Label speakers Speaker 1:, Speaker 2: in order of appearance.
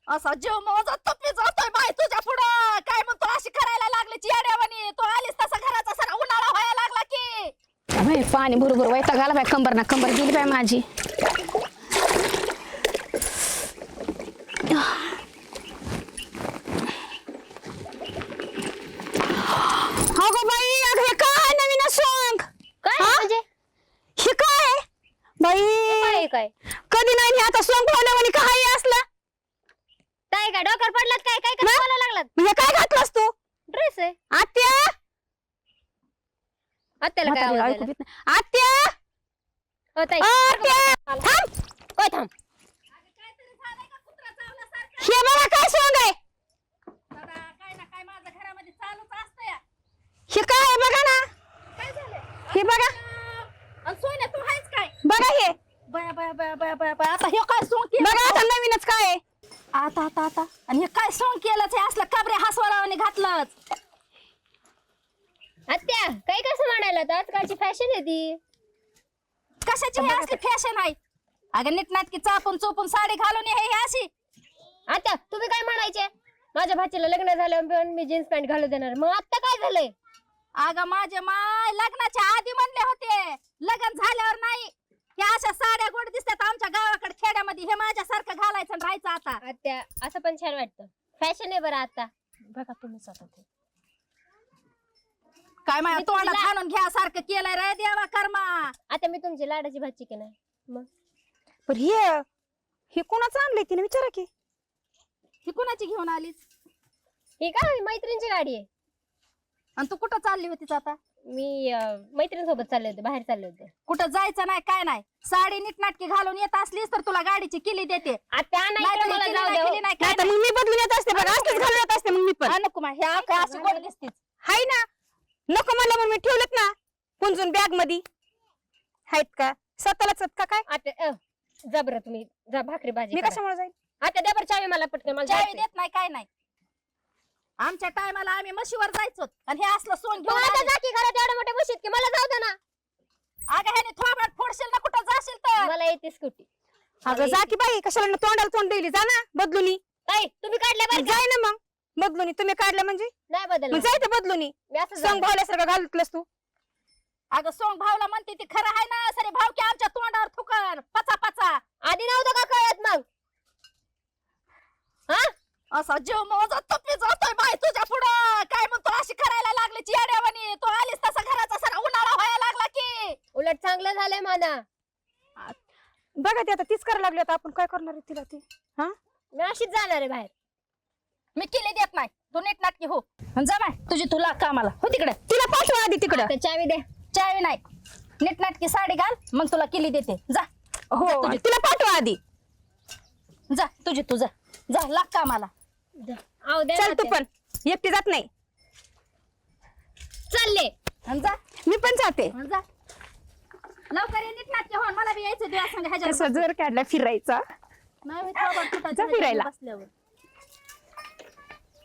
Speaker 1: असा जीव मोजत तपी जातोय बाई तुझ्या पुढं. काय म्हणतो अशी करायला लागली येड्यावानी. तो आलीस तसा घराचा सारा उन्हाळा व्हायला लागला की.
Speaker 2: बाई पाणी बरोबर वैताग आला बाई. कंबर ना कंबर गेली बाई माझी. अगं बाई अगं हे काय नवीन सॉंग
Speaker 3: काय म्हणजे
Speaker 2: हे काय बाई
Speaker 3: काय काय
Speaker 2: कधी नाही मी आता सॉंग पावल्यावानी काय असला
Speaker 3: काय काय डोक्यावर पडलात काय काय काय बोलायला लागलात
Speaker 2: म्हणजे काय घातलास तू
Speaker 3: ड्रेस आहे
Speaker 2: आत्या
Speaker 3: आत्याला काय आवाज आला?
Speaker 2: आत्या
Speaker 3: हो ताई
Speaker 2: आत्या थांब
Speaker 3: ओय थांब
Speaker 1: काहीतरी झालंय का कुत्रा चावल्यासारखं?
Speaker 2: हे बघा काय सॉंग आहे
Speaker 1: दादा काय ना काय माझ्या घरामध्ये चालूच असतंय.
Speaker 2: हे काय आहे बघा ना
Speaker 1: काय झालंय?
Speaker 2: हे बघा
Speaker 1: आणि सोन्या तू आहेस काय?
Speaker 2: बघा हे
Speaker 1: बया बया बया बया बया बया. आता हे काय सोंग केलं?
Speaker 2: बघा आता नवीनच काय आहे
Speaker 1: आता आता आता आणि हे काय सोंग केलंच हे असलं काबरे हसवारावाने घातलंच.
Speaker 3: आत्या काय कसं म्हणायला तर आजकालची फॅशन आहे ती
Speaker 1: कशाची हे असली फॅशन आहे? अगं नीटनाटकी चापून चोपून साडी घालून हे अशी.
Speaker 3: आत्या तुम्ही काय म्हणायचे माझ्या भाचीला लग्न झालं पण मी जीन्स पॅन्ट घालू देणार मग आता काय झालंय
Speaker 1: अगं माझे माय लग्नाच्या आधी म्हणले होते लग्न झाल्यावर नाही. हे अशा साड्या गोड दिसतात आमच्या गावाकडे खेड्यामध्ये. हे माझ्यासारखं घालायचं आणि राहायचं आता.
Speaker 3: आत्या असं पण छान वाटतं फॅशन आहे बरं आता बघा तुम्हीच आता ते
Speaker 1: काय माझ्या
Speaker 3: मी
Speaker 1: तोंडात
Speaker 3: तुला-
Speaker 1: हाणून घ्यासारखं केलंय रे देवा कर्मा.
Speaker 3: आता मी तुमची लाडाची भाची की नाही मग
Speaker 2: पण हे कोणाचं आणलंय तिने विचारा की
Speaker 1: ही कुणाची घेऊन आलीस
Speaker 3: ही का मैत्रिणीची गाडी आहे
Speaker 1: आणि तू कुठं चालली होतीस आता?
Speaker 3: मी मैत्रिणीसोबत चालले होते बाहेर चालले होते
Speaker 1: कुठं जायचं नाही काय नाही. साडी नीटनाटकी घालून येत असलीस तर तुला गाडीची किली देते.
Speaker 3: आत्या नाही
Speaker 1: नाहीतर
Speaker 3: इकडे मला
Speaker 1: ही
Speaker 3: जाऊ
Speaker 1: किली
Speaker 3: द्या
Speaker 1: नाही, किली
Speaker 3: हो.
Speaker 1: नाही,
Speaker 2: नाही
Speaker 1: काय
Speaker 2: तर मग मी बदलून येत असते बघा असंच घालून येत असते मग मी पण
Speaker 1: नाही. नको मा, हे काय अशी गोड दिसतीस.
Speaker 2: हाय ना नको मला म्हणून मी ठेवलेत ना पुंजून बॅग मध्ये आहेत का स्वतःलाच का काय
Speaker 3: आत्या जा बरं तुम्ही जा भाकरी भाजी
Speaker 2: मी
Speaker 3: करा.
Speaker 2: कशामुळे जाईल
Speaker 3: आत्या द्या बरं चावी मला पटकन मला
Speaker 1: चावी
Speaker 3: जायचंय.
Speaker 1: देत नाही काय नाही. आमच्या टायमाला आम्ही म्हशीवर जायचो आणि हे असलं सोंग
Speaker 3: तू
Speaker 1: घेऊन
Speaker 3: आता
Speaker 1: आलीस.
Speaker 3: जा की घरात एवढ्या मोठ्या बशीत की मला जाऊ दे ना
Speaker 1: अगं ह्याने थोबाड फोडशील ना कुठं जाशील तर.
Speaker 3: मला येते स्कूटी
Speaker 2: अगं जा की बाई कशाला तोंडाला तोंड दिली जा ना बदलूनी
Speaker 3: ताई तुम्ही काढल्या बरं का?
Speaker 2: जाय ना मग बदलूनी तुम्ही काढलं म्हणजे
Speaker 3: नाही बदल
Speaker 2: मग जायचं बदलूनी
Speaker 3: मी असं
Speaker 2: संग
Speaker 3: जाणार.
Speaker 2: भावल्यासारखं घालतलंस तू
Speaker 1: अगं सोंग भावला म्हणते ती खरं आहे ना. सरे भाव की आमच्या तोंडावर थुकर पचा पचा.
Speaker 3: आधी नव्हतं का कळत मग हा
Speaker 1: असा जीव मोजत तपी जातोय बाई तुझ्या पुढं. काय म्हणतो अशी करायला लागली येड्यावानी. तो आलीस तसा घराचा सारा उन्हाळा व्हायला लागला की.
Speaker 3: उलट चांगलं झालंय मला
Speaker 2: बघा ते आता तीच करायला लागली आता आपण काय करणार आहे तिला ती हा
Speaker 3: मी अशीच जाणार आहे बाहेर
Speaker 1: मी केली देत नाही. तू नीटनाटकी हो आणि जा बाय तुझी तुला कामाला हो तिकडे.
Speaker 2: तिला पाठवा आधी तिकडं
Speaker 3: आता चावी दे
Speaker 1: चावी नाही. नीटनाटकी साडी घाल मग तुला केली देते. जा
Speaker 2: हो तिला पाठवा आधी
Speaker 1: जा तुझी तू जा जा लाग कामाला.
Speaker 3: आहो दे
Speaker 2: चल
Speaker 3: ना
Speaker 2: तू
Speaker 3: ते.
Speaker 2: पण एकटी जात नाही
Speaker 3: चालले
Speaker 1: आणि जा
Speaker 2: मी पण जाते
Speaker 1: आणि जा लवकर ये नीटनाटकी हो. मला बी यायचं तुझ्या संग ह्याच्या
Speaker 2: जर काढला फिरायचा
Speaker 1: नाही होय, थोबाड फुटायचं
Speaker 2: जा फिरायला.
Speaker 1: बसल्यावर